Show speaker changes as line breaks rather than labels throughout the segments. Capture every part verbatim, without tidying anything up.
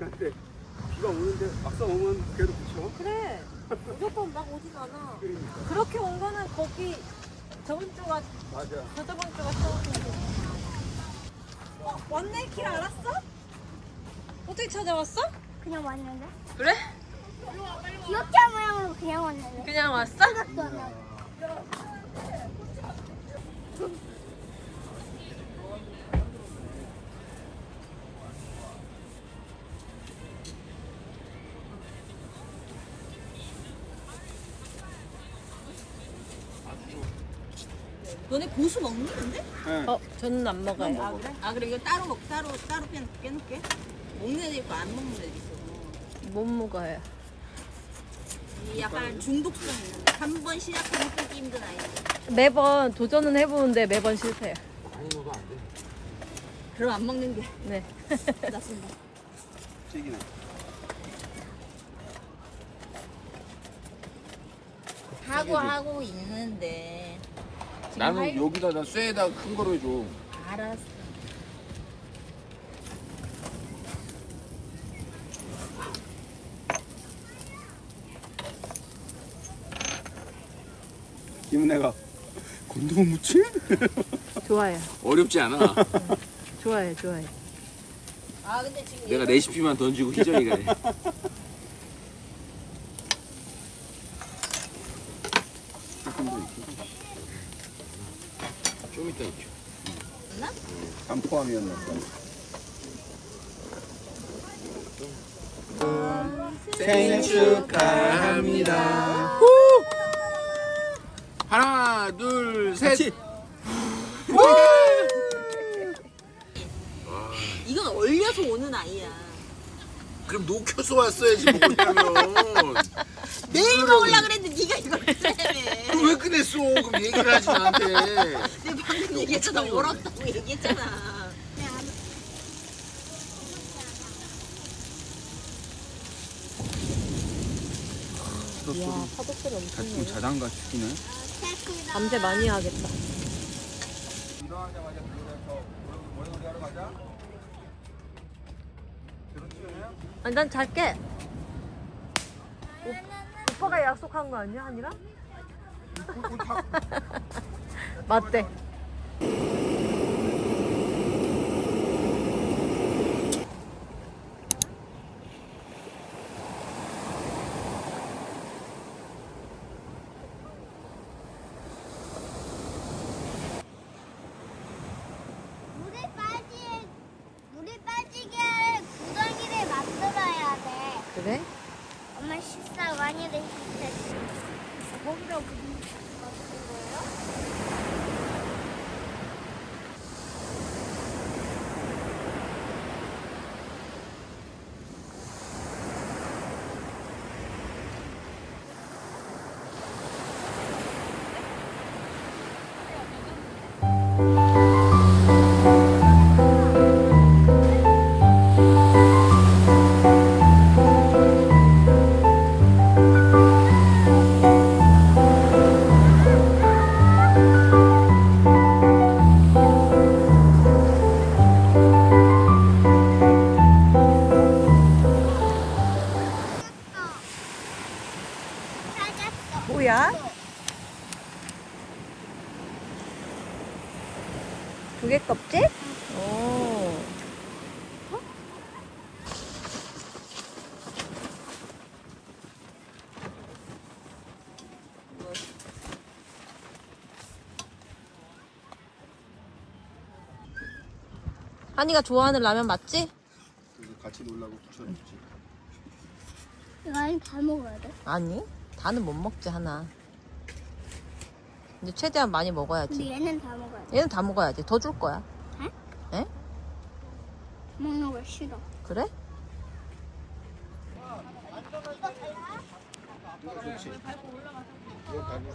하는데 비가 오는데 막상 오면 그래도 그쵸?
그래. 무조건 막 오진 않아.
그러니까.
그렇게 온 거는 거기 저번 주가
맞아.
저저번 주가 처음이고. 어, 왔네? 길 알았어? 어떻게 찾아왔어?
그냥 왔는데?
그래?
기억자 모양으로 그냥 왔는데?
그냥 왔어?
생각도 안 나고.
너네 고수 먹니 근데?
네.
어, 저는 안 먹어요.
아 그래? 아 그래 이거 따로 먹 따로 따로 빼 빼놓게. 먹는 애도 있고 안 먹는 애도 있어.
못 먹어요.
이 약간 중독성 있는. 한 번 시작하면 끊기 힘든 아이.
매번 도전은 해보는데 매번 실패해요.
많이 먹으면 안 돼.
그럼 안 먹는 게
네.
낫습니다.
찌기네.
하고 하고 있는데. 지금
나는
할-
여기다 나 쇠에다 큰 거로 해줘.
알았어.
김은혜가 곤두못 묻지?
좋아요.
어렵지 않아.
좋아요, 좋아요.
아 근데 지금
내가
얘가
레시피만 던지고 희정이가 해. 좀 이따 있죠.
있나?
안 포함이었나 보다.
생일 축하합니다. 하나, 둘, 셋.
같이.
이건 얼려서 오는 아이야.
그럼 녹여서 왔어야지 먹으려면.
내일 먹으려 그랬는데 네가 이걸 했다며.
그럼 왜 꺼냈어? 그럼 얘기를 하지 나한테.
내가 방금 얘기했잖아. 얼었다고 얘기했잖아.
이야, 파도 소리 엄청
지금
나네.
자장가 죽이네.
밤새 많이 하겠다.
일어나자마자 그러면서 모여놀이 하러 가자. 그렇지요?
아니, 난 잘게. 오, 오빠가 약속한 거 아니야, 한이랑? 맞대.
물에 빠지, 물에 빠지게 구덩이를 만들어야 돼.
그래?
엄마 식사 많이 드셨지? 거기다 무슨 만드는 거예요? 찾았어.
뭐야? 조개 껍질? 오. 한이가 좋아하는 라면 맞지?
그래서 같이 놀라고 붙여줬지.
이거 다 먹어야 돼?
아니, 다는 못 먹지, 하나. 근데 최대한 많이
근데
먹어야지.
얘는 다 먹어야 돼.
얘는 다 먹어야지. 더 줄 거야. 에?
먹는 거 싫어.
그래?
좋지. 이거 밟을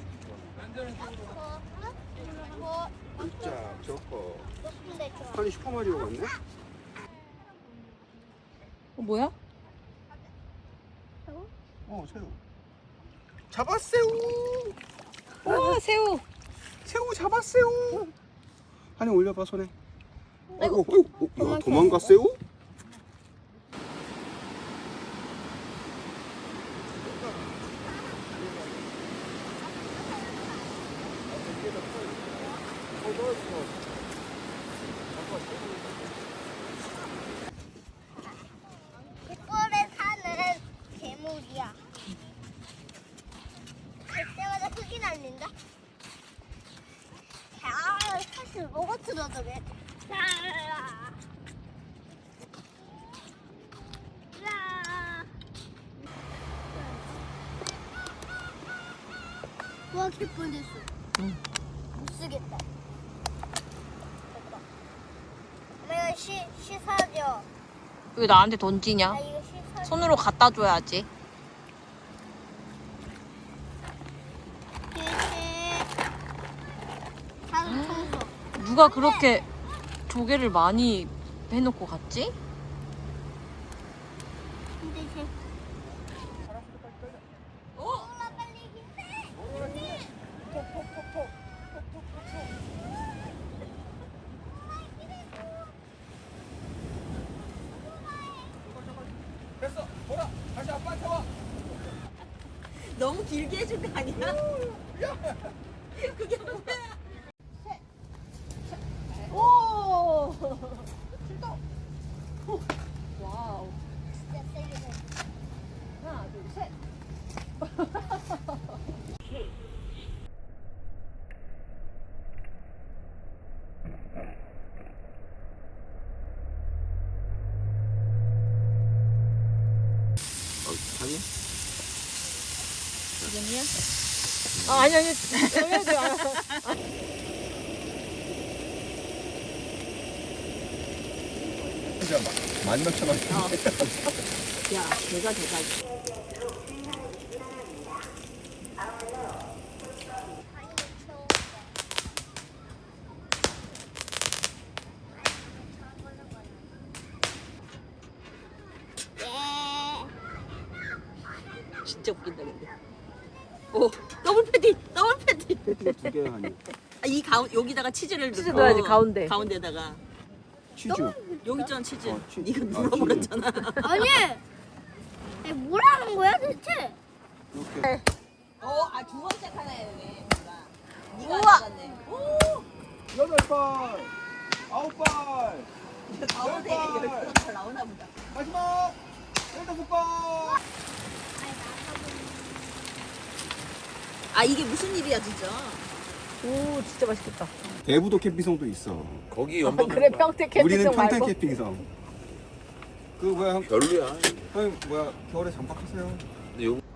수 있어. 자, 저거.
높은데 좋아.
아니 슈퍼마리오 같네?
어, 뭐야?
어, 새우. 잡았새우.
우와, 새우.
새우 잡았새우. 한이 올려봐 손에.
아이고.
아이고, 아이고. 야, 도망갔새우?
갯벌에 사는 괴물이야. 그때마다 흙이 날린다. 야, 사실 로봇으로 저게. 야. 야. 와, 갯벌 됐어.
응.
못 쓰겠다. 엄마 이거 시, 씻어줘.
왜 나한테 던지냐?
나 이거 씻어줘.
손으로 갖다 줘야지.
다음 청소.
누가 그렇게 조개를 많이 해놓고 갔지?
근데 쟤. 어? 빨리 힘내.
됐어. 보라. 다시 아빠한테 와.
너무 길게 해준 거 아니야? 그게 뭐야?
오! 와우.
진짜 세게 돼.
하나, 둘, 셋.
어, 아니?
지금이야? 아, 아니, 아니. 여기도 알아.
진짜 만 몇천 원.
야, 걔가 걔가. 진짜 웃긴다 근데. 오, 더블 패티, 더블 패티.
패티가 두 개야 하니.
아, 이 가운 여기다가 치즈를
치즈
넣고.
넣어야지, 가운데.
가운데다가
치즈.
여기 있잖아 치즈.
어, 치즈.
네가
아,
눌러버렸잖아.
아니. 아니, 뭐라는 거야 대체?
이렇게.
어, 아 두 번째 하나 해야 되네. 네가
우와.
맞았네. 오,
여덟 발. 아홉 발.
가운데
열 발.
열번 더 나오나 보다.
마지막. 열다섯 발.
아 이게 무슨 일이야 진짜.
오, 진짜 맛있겠다.
대부도 캠핑성도 있어.
거기 연방
그래, 평택 캠핑장
우리는 평택
말고.
캠핑성. 그 뭐야,
별로야.
형 뭐야 겨울에 잠박하세요.
근데 요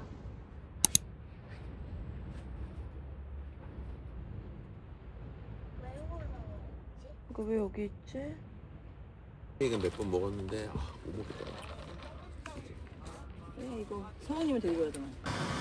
이거 왜 여기 있지?
이거 몇 번 먹었는데 아, 못 먹겠다.
네, 이거 성우님을 데리고 가야 되나?